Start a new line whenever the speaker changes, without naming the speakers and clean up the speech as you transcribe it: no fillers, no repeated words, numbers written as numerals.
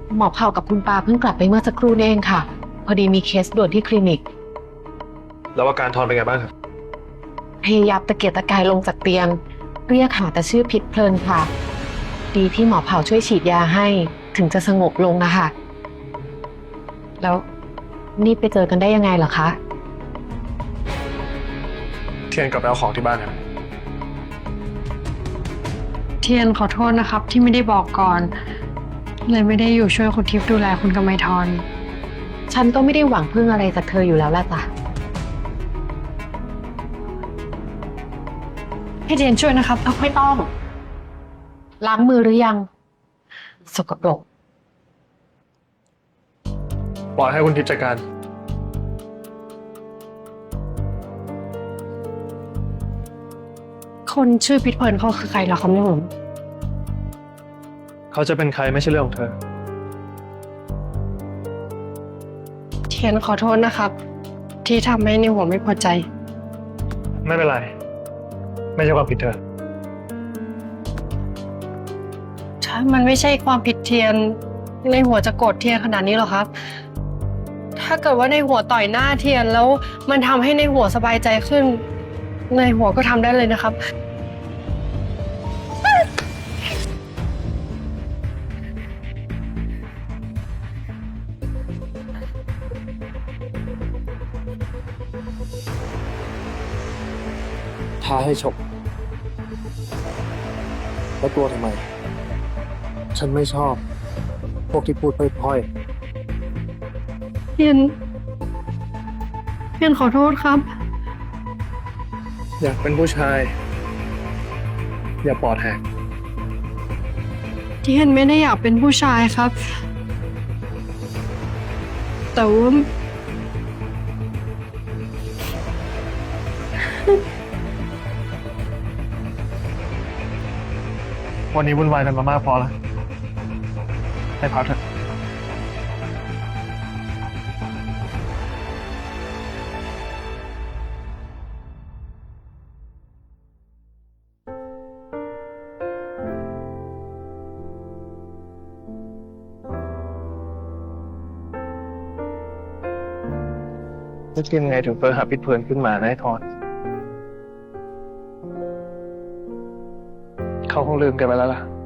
หมอเผ่ากับคุณปาเพิ่งกลับไปเมื่อสักครู่นี่เองค่ะ พอดีมีเคสด่วนที่คลินิก
แล้วอาการทอนเป็นไงบ้างครับ
พยายามตะเกียกตะกายลงจากเตียง เรียกหาแต่ชื่อพิษเพลินค่ะ ดีที่หมอเผ่าช่วยฉีดยาให้ถึงจะสงบลงนะคะ แล้วนี่ไปเจอกันได้ยังไงเหรอคะ
เทียนกลับไปเอาของที่บ้านครับ
เทียนขอโทษนะครับที่ไม่ได้บอกก่อน เลยไม่ได้อยู่ช่วยคุณทิพย์ดูแลคุณกำไมทร
ฉันก็ไม่ได้หวังพึ่งอะไรจากเธออยู่แล้วล่ะจ้ะ
ให้เทียนช่วยนะครับ
ไม่ต้อง ล้างมือหรือยัง สกปรก
ปล่อยให้คุณทิพย์จัดการ
คนชื่อพิษเพลินเขาคือใครเหรอครับเนี่ยผม
เขาจะเป็นใครไม่ใช่เรื่องของเธอ
เทียนขอโทษนะครับ ที่ทำให้ในหัวไม่พอใจ
ไม่เป็นไร ไม่ใช่ความผิดเธอ
ถ้ามันไม่ใช่ความผิดเทียน ในหัวจะโกรธเทียนขนาดนี้หรอครับ ถ้าเกิดว่าในหัวต่อยหน้าเทียนแล้วมันทำให้ในหัวสบายใจขึ้น ในหัวก็ทำได้เลยนะครับ
ท้าให้ฉกแล้วกลัวทำไม ฉันไม่ชอบ พวกที่พูดพล่อย
เทียนขอโทษครับ
ๆ อยากเป็นผู้ชาย อย่าปอดแหก
เทียนไม่ได้อยากเป็นผู้ชายครับ แต่ว่า
วันนี้วุ่นวายกันมามากพอแล้ว ให้พักเถอะ จะกินไงถึงเฟอร์หาพิษเพลินขึ้นมานะไอ้ทอน เขาคงลืมแกันไปแล้วล่ะ